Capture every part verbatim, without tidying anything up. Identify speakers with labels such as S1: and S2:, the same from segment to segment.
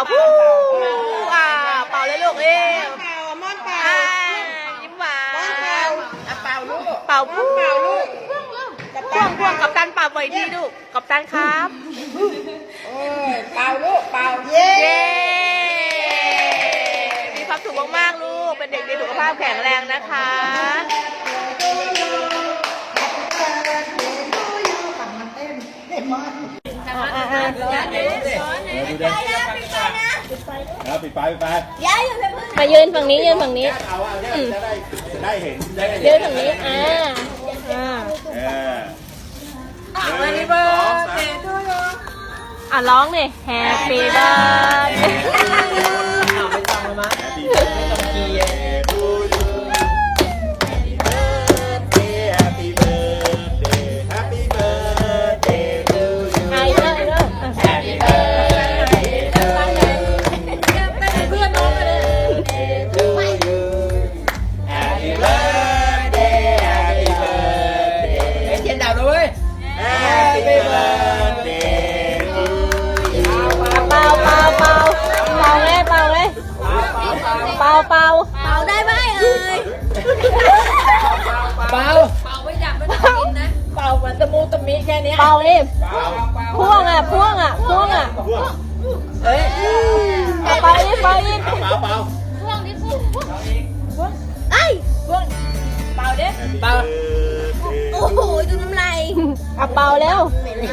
S1: พูอ่าเป่าเลยลูกเอ้ย
S2: เป่าม่อนเป่า
S1: อ่ายิ้มหวาน
S2: เป่าอ่ะเป่าลูก
S1: เป่าพู
S2: เป่าลูก
S1: พ่วงพ่วงกับตันเป่าบ่อยดีลูกกับตันครับ
S2: เออเป่าลูกเป่าเย้
S1: เย้มีความสุขมากๆลูกเป็นเด็กดีสุขภาพแข็งแรงนะคะอ่าอ่า
S3: ดูดิแล้วปิดไฟปิดไฟ
S1: มายืนฝั่งนี้ยืนฝั่งนี้
S3: เอาเอาเนี่ยจะได้จะได้เห็นได้เห็น
S1: ยืนฝั่งนี้อ่าอ่า
S3: เออ
S1: วันนี้เบิร์ดอ่ะร้องดิแฮปปี้เบิร์ด
S2: เอาไม่ต้องแล้วมั้ง
S3: ไม่ต้องกีเอทูยูแฮปปี้เบิร์ดเดย์แฮปปี้เบิร์ดเดย์ทูยู
S1: ไอ้เด้อเด้อ
S3: แฮปปี้เบิร์ดเดย์ทูยู
S1: เพื่อนน้องกันเลย
S3: ทูยูแฮปปี้เบิร์ดเดย์แฮปปี้เบิร์ดเดย์
S2: เทียนดับเลย
S3: Happy birthday to you
S1: เป่าเป่าเป่าเป่าเลยเป่าเลยเป่าเป่าเป่าได้ไหมเอ่ย
S2: เป่า
S1: เป่าเหมือนตะมูตะมิแค่นี้เป่าดิพ่วงอ่ะพ่วงอ่ะพ่วงอ่ะ
S3: พวก
S2: เอ้ย
S1: เป่าดิเป่าดิ
S3: เปล่าเปล่า
S1: ไอ้พ่วงเป่าดิ
S3: เปล่า
S1: โอ้โหดูน้ำลายอ่ะเป่าเร็ว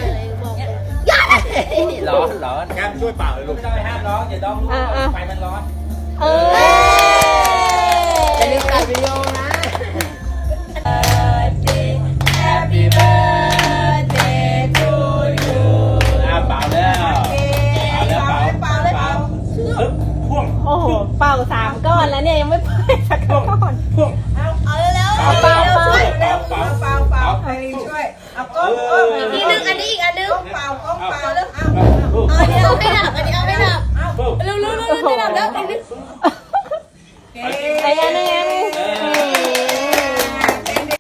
S2: ร้อนร้อน
S3: แก้มช่วยเปล่าเลยลูก
S2: ไม่ต้องไปห้ามร้อนเดี๋ยวน้องรู้ไฟมันร้อน
S1: เออ
S2: อย่าลืมตัดวิดีโอนะ